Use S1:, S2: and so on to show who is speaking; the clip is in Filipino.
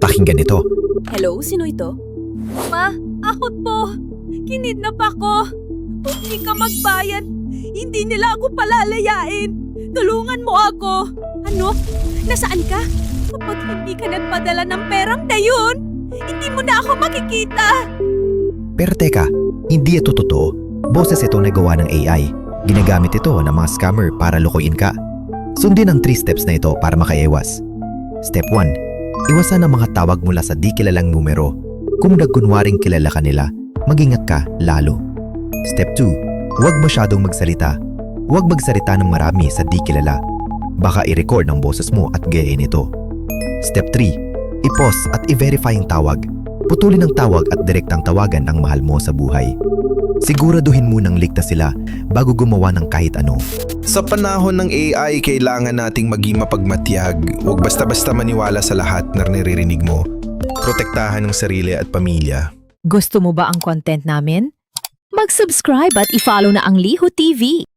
S1: Pakinggan ito.
S2: Hello, sino ito?
S3: Ma, akot po. Kinidnap ako. Kung di ka magbayad, hindi nila ako palalayain. Tulungan mo ako.
S2: Ano? Nasaan ka?
S3: Kapag hindi ka nagpadala ng perang dayon, hindi mo na ako makikita.
S1: Pero teka, hindi ito totoo. Boses ito na gawa ng AI. Ginagamit ito ng mga scammer para lukuin ka. Sundin ang 3 steps na ito para makaiwas. Step 1. Iwasan ang mga tawag mula sa di kilalang numero. Kung nagkunwaring kilala ka nila, mag-ingat ka lalo. Step 2. Huwag masyadong magsalita. Huwag magsalita ng marami sa di kilala. Baka i-record ang boses mo at gayahin ito. Step 3. I-pause at i-verify ang tawag. Putulin ang tawag at direktang tawagan ang mahal mo sa buhay. Siguraduhin munang ligtas sila bago gumawa ng kahit ano.
S4: Sa panahon ng AI, kailangan nating maging mapagmatyag. Huwag basta-basta maniwala sa lahat na naririnig mo. Protektahan ang sarili at pamilya.
S5: Gusto mo ba ang content namin? Mag-subscribe at i-follow na ang Liho TV.